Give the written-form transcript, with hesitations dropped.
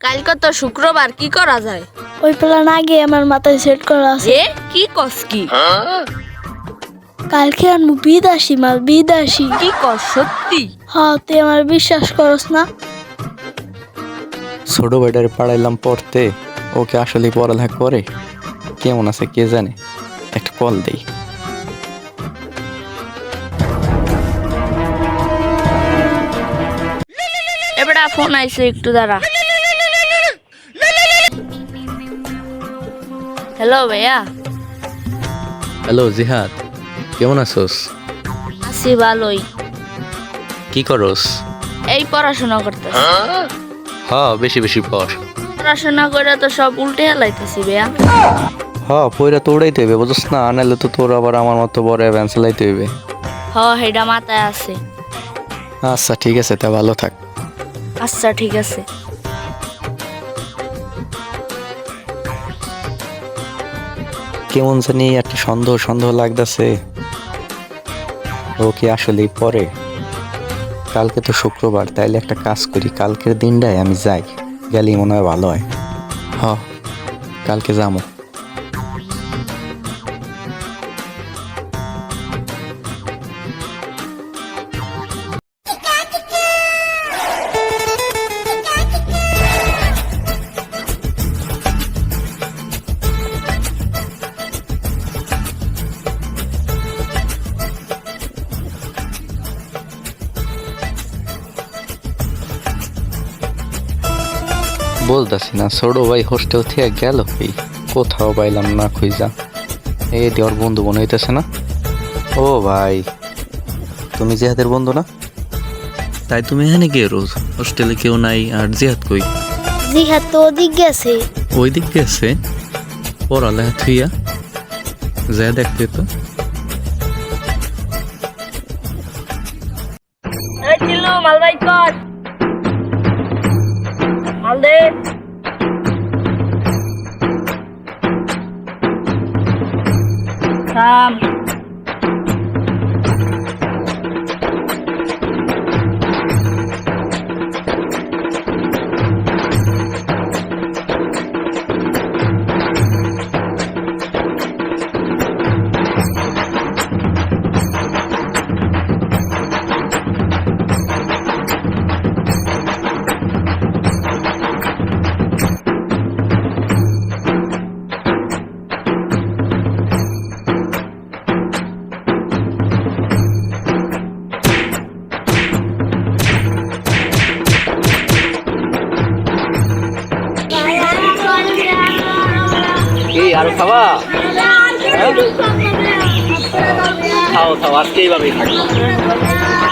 কালকে তো শুক্রবার, কি করা যায়? ওই প্ল্যান আগে আমার মাথায় সেট করা আছে। এ কি কস কি? কালকে আনবো বিদেশি মাল, বিদেশি। কি কর সত্যি? হ্যাঁ, তুই আমার বিশ্বাস করস না? ছোট ভাইটারে পাড়াইলাম পড়তে, ওকে আসলে পড়ালেখা করে কেমন আছে কে জানে। একটা কল দেই। এবারে ফোন আইছে, একটু দাঁড়া। হ্যালো ভাইয়া। হ্যালো জিহাদ, কেমন আছোস? আছি ভালোই। কি করস? এই পড়াশোনা করতেছি। বেশি বেশি পড়। পড়াশোনা করে তো সব উল্টে হেলাইতেছি ভাইয়া। পইরা তো উড়াইতে হইবে, বুঝছ না? আনাইলে তো তোর আবার আমার মতো বড় ভ্যান চালাইতে হইবে। হেডা মাথায় আছে। আচ্ছা ঠিক আছে, তা ভালো থাক। আচ্ছা ঠিক আছে। কেমন জানি একটা সন্দেহ সন্দেহ লাগতেছে, ও কি আসলেই পরে? কালকে তো শুক্রবার, তাইলে একটা কাজ করি, কালকের দিনটাই আমি যাই, গেলেই মনে হয় ভালো হয়। কালকে যাবো। বলতাছি না, ছোট ভাই হোস্টেল থেকে গেল কি, কোথাও পাইলাম না খুঁজা। এই দেওয়ার বন্ধু মনে হইতেছে না? ও ভাই, তুমি জিহাদের বন্ধু না? তাই তুমি এখানে কে রোজ? হোস্টেলে কেউ নাই, আর জিহাদ কই? জিহাদ তো ওদিক গেছে। ওই দিক গেছে পড়ালেখা থুইয়া, যা দেখতে তো। এই চিল্লু, মাল বাই কর। মাল দে। থাম। কি আর খাওয়া? খাও খাও, আজকে এইভাবেই থাকবো।